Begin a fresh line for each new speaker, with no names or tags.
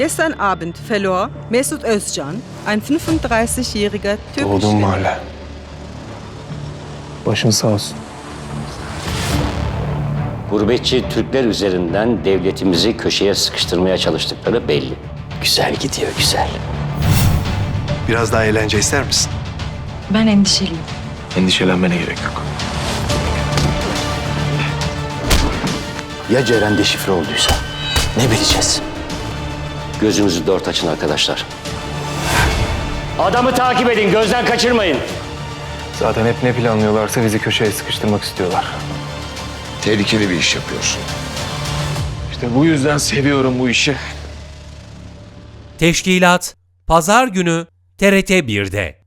Gestern Abend verlor Mesut Özcan, ein 35-jähriger
Doğduğum
türkischer
mahalle. Başın sağ olsun.
Gurbetçi Türkler üzerinden devletimizi köşeye sıkıştırmaya çalıştıkları belli. Güzel gidiyor, güzel.
Biraz daha eğlence ister misin?
Ben endişeliyim.
Endişelenmene gerek yok.
Ya Ceren deşifre olduysa? Ne bileceğiz? Gözünüzü dört açın arkadaşlar. Adamı takip edin, gözden kaçırmayın.
Zaten hep ne planlıyorlarsa bizi köşeye sıkıştırmak istiyorlar.
Tehlikeli bir iş yapıyorsun.
İşte bu yüzden seviyorum bu işi.
Teşkilat Pazar günü TRT 1'de.